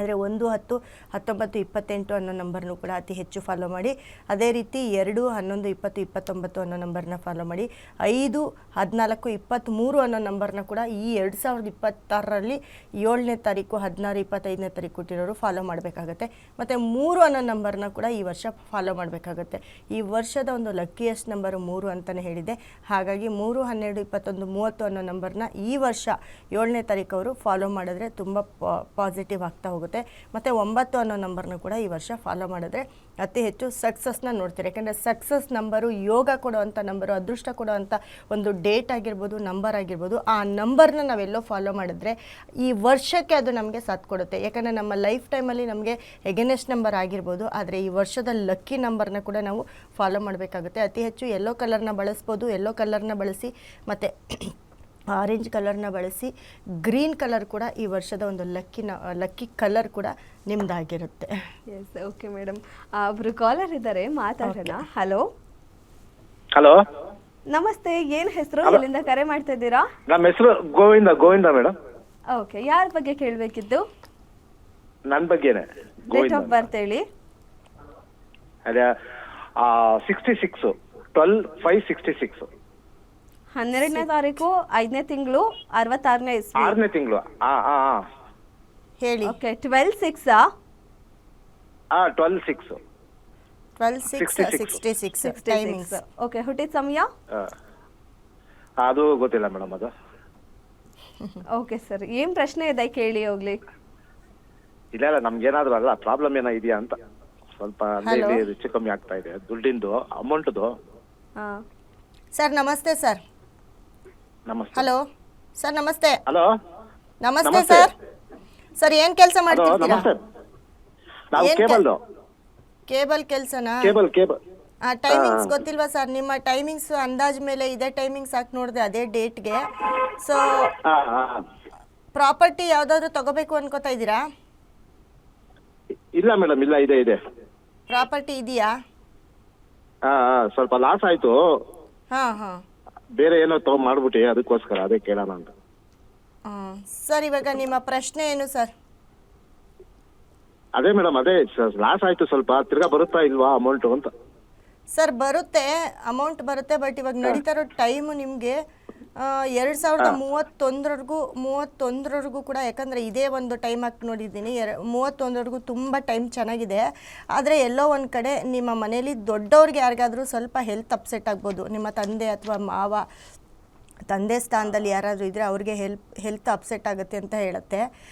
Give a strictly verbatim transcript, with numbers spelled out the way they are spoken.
ಆದರೆ ಒಂದು ಹತ್ತು ಹತ್ತೊಂಬತ್ತು ಇಪ್ಪತ್ತೆಂಟು ಅನ್ನೋ ನಂಬರ್ನೂ ಕೂಡ ಅತಿ ಹೆಚ್ಚು ಫಾಲೋ ಮಾಡಿ. ಅದೇ ರೀತಿ ಎರಡು ಹನ್ನೊಂದು ಇಪ್ಪತ್ತು ಇಪ್ಪತ್ತೊಂಬತ್ತು ಅನ್ನೋ ನಂಬರ್ನ ಫಾಲೋ ಮಾಡಿ. ಐದು ಹದಿನಾಲ್ಕು ಇಪ್ಪತ್ತ್ಮೂರು ಅನ್ನೋ ನಂಬರ್ನ ಕೂಡ ಈ ಎರಡು ಸಾವಿರದ ಇಪ್ಪತ್ತಾರರಲ್ಲಿ ಏಳನೇ ತಾರೀಕು ಹದಿನಾರು ಇಪ್ಪತ್ತೈದನೇ ತಾರೀಕು ಕೊಟ್ಟಿರೋರು ಫಾಲೋ ಮಾಡಬೇಕಾಗತ್ತೆ. ಮತ್ತು ಮೂರು ಅನ್ನೋ ನಂಬರ್ನ ಕೂಡ ಈ ವರ್ಷ ಫಾಲೋ ಮಾಡಬೇಕಾಗತ್ತೆ. ಈ ವರ್ಷದ ಒಂದು ಲಕ್ಕಿಯೆಸ್ಟ್ ನಂಬರು ಮೂರು ಅಂತಲೇ ಹೇಳಿದೆ. ಹಾಗಾಗಿ ಮೂರು ಹನ್ನೆರಡು ಇಪ್ಪತ್ತೊಂದು ಮೂವತ್ತು ಅನ್ನೋ ನಂಬರ್ನ ಈ ವರ್ಷ ಏಳನೇ ತಾರೀಕು ಅವರು ಫಾಲೋ ಮಾಡಿದ್ರೆ ತುಂಬ ಪಾಸಿಟಿವ್ ಆಗ್ತಾ ಹೋಗುತ್ತೆ. ಮತ್ತು ಒಂಬತ್ತು ಅನ್ನೋ ನಂಬರ್ನ ಕೂಡ ಈ ವರ್ಷ ಫಾಲೋ ಮಾಡಿದ್ರೆ ಅತಿ ಹೆಚ್ಚು ಸಕ್ಸಸ್ನ ನೋಡ್ತೀರಿ. ಯಾಕೆಂದರೆ ಸಕ್ಸಸ್ ನಂಬರು ಯೋಗ ಕೊಡುವಂಥ ನಂಬರು, ಅದೃಷ್ಟ ಕೊಡುವಂಥ ಒಂದು ಡೇಟ್ ಆಗಿರ್ಬೋದು, ನಂಬರ್ ಆಗಿರ್ಬೋದು. ಆ ನಂಬರ್ನ ನಾವೆಲ್ಲೋ ಫಾಲೋ ಮಾಡಿದ್ರೆ ಈ ವರ್ಷಕ್ಕೆ ಅದು ನಮಗೆ ಸಾಥ್ ಕೊಡುತ್ತೆ. ಯಾಕಂದರೆ ನಮ್ಮ ಲೈಫ್ ಟೈಮಲ್ಲಿ ನಮಗೆ ಎಗೇನೆಸ್ಟ್ ನಂಬರ್ ಆಗಿರ್ಬೋದು, ಆದರೆ ಈ ವರ್ಷದ ಲಕ್ಕಿ ನಂಬರ್ನ ಕೂಡ ನಾವು ಫಾಲೋ ಮಾಡಬೇಕಾಗುತ್ತೆ. ಅತಿ ಹೆಚ್ಚು ಯೆಲ್ಲೋ ಕಲರ್ನ ಬಳಸ್ಬೋದು, ಯೆಲ್ಲೋ ಕಲರ್ನ ಬಳಸಿ ಮತ್ತು ಆರೆಂಜ್ ಕಲರ್ನ ಬಳಸಿ. ಗ್ರೀನ್ ಕಲರ್ ಕೂಡ ಈ ವರ್ಷದ ಒಂದು ಲಕ್ಕಿನ ಲಕ್ಕಿ ಕಲರ್ ಕೂಡ ನಿಮ್ದಾಗಿರುತ್ತೆ. Yes, okay madam. ಒಬ್ರು ಕಾಲರ್ ಇದ್ದಾರೆ, ಮಾತಾಡೋಣ. ಹಲೋ ಹಲೋ, ನಮಸ್ತೆ. ಏನ್ ಹೆಸರು, ಎಲ್ಲಿಂದ ಕರೆ ಮಾಡ್ತಾ ಇದ್ದೀರಾ? ನಮ್ಮ ಹೆಸರು ಗೋವಿಂದ ಗೋವಿಂದ ಮೇಡಮ್. ಓಕೆ, ಯಾರ ಬಗ್ಗೆ ಕೇಳಬೇಕಿತ್ತು? ನನ್ನ ಬಗ್ಗೆನೇ. ಡೇಟ್ ಆಫ್ ಬರ್ತ್ ಹೇಳಿ. ಅದೇ sixty six twelve five sixty six ಹನ್ನೆರಡನೇ ತಾರೀಕು ಐದನೇ ತಿಂಗಳು ಅರವತ್ತಾರನೇ ಇಸ್ವಿ. ಆರನೇ ತಿಂಗಳು. ಹೇಳಿ. Okay, twelve six twelve six twelve six sixty six timings. Okay, ಹುಟ್ಟಿದ ಸಮಯ ಅದು ಗೊತ್ತಿಲ್ಲ ಮೇಡಮ್. ಅದು ಓಕೆ ಸರ್, ಏನ್ ಪ್ರಶ್ನೆ ಇದೆ ಕೇಳಿ ಹೋಗ್ಲಿ. ಇಲ್ಲ ಇಲ್ಲ, ನಮ್ಗೇನಾದ್ರು ಅಲ್ಲ ಪ್ರಾಬ್ಲಮ್ ಏನೋ ಇದೆಯಾ ಅಂತ ಸ್ವಲ್ಪ ಅಲ್ಲಿ ಹೆಚ್ಚು ಕಮ್ಮಿ ಆಗ್ತಾ ಇದೆ ದುಡ್ಡಿಂದು ಅಮೌಂಟ್ದು. ಸರ್ ನಮಸ್ತೆ. ಸರ್ ನಮಸ್ತೆ. ಹಲೋ ಸರ್ ನಮಸ್ತೆ. ಹಲೋ ನಮಸ್ತೆ ಸರ್. ಸರ್ ಏನು ಕೆಲಸ ಮಾಡ್ತಿದ್ದೀರಾ? ನಮಸ್ತೆ. ನಾವು ಕೇಬಲ್ ಕೇಬಲ್ ಕೆಲಸನಾ? ಕೇಬಲ್ ಕೇಬಲ್ ಆ ಟೈಮಿಂಗ್ಸ್ ಗೊತ್ತಿಲ್ವಾ ಸರ್? ನಿಮ್ಮ ಟೈಮಿಂಗ್ಸ್ ಅಂದಾಜ್ ಮೇಲೆ ಇದೇ ಟೈಮಿಂಗ್ಸ್ ಹಾಕಿ ನೋಡಿದೆ ಅದೇ ಡೇಟ್ಗೆ. ಸೊ ಪ್ರಾಪರ್ಟಿ ಯಾವುದಾದ್ರೂ ತಗೋಬೇಕು ಅನ್ಕೋತಾ ಇದ್ದೀರಾ? ಇಲ್ಲ ಮೇಡಮ್, ಇಲ್ಲ ಇದೆ ಇದೆ ಪ್ರಾಪರ್ಟಿ ಇದೆಯಾ? ಹಾ ಸ್ವಲ್ಪ ಲಾಸ್ ಆಯ್ತು. ಹಾ ಹಾ ಬೇರೆ ಏನೋ ತಗೊಂಡ್ ಮಾಡ್ಬಿಟ್ಟು ಅದಕ್ಕೋಸ್ಕರ ಅದೇ ಕೇಳೋಣ ಅಂತ. ಸರ್ ಇವಾಗ ನಿಮ್ಮ ಪ್ರಶ್ನೆ ಏನು ಸರ್? ಅದೇ ಮೇಡಮ್, ಅದೇ ಲಾಸ್ ಆಯ್ತು ಸ್ವಲ್ಪ, ತಿರ್ಗಾ ಬರುತ್ತಾ ಇಲ್ವಾ ಅಮೌಂಟ್ ಅಂತ. ಸರ್ ಬರುತ್ತೆ, ಅಮೌಂಟ್ ಬರುತ್ತೆ. ಬಟ್ ಇವಾಗ ನಡೀತಾ ಇರೋ ಟೈಮು ನಿಮಗೆ ಎರಡು ಸಾವಿರದ ಮೂವತ್ತೊಂದರವರೆಗೂ ಮೂವತ್ತೊಂದರವರೆಗೂ ಕೂಡ, ಯಾಕಂದರೆ ಇದೇ ಒಂದು ಟೈಮ್ ಹಾಕಿ ನೋಡಿದ್ದೀನಿ. ಎರ ಮೂವತ್ತೊಂದರವರೆಗೂ ತುಂಬ ಟೈಮ್ ಚೆನ್ನಾಗಿದೆ. ಆದರೆ ಎಲ್ಲೋ ಒಂದು ಕಡೆ ನಿಮ್ಮ ಮನೇಲಿ ದೊಡ್ಡವ್ರಿಗೆ ಯಾರಿಗಾದರೂ ಸ್ವಲ್ಪ ಹೆಲ್ತ್ ಅಪ್ಸೆಟ್ ಆಗ್ಬೋದು. ನಿಮ್ಮ ತಂದೆ ಅಥವಾ ಮಾವ, ತಂದೆ ಸ್ಥಾನದಲ್ಲಿ ಯಾರಾದರೂ ಇದ್ದರೆ ಅವ್ರಿಗೆ ಹೆಲ್ಪ್ ಹೆಲ್ತ್ ಅಪ್ಸೆಟ್ ಆಗುತ್ತೆ ಅಂತ ಹೇಳುತ್ತೆ.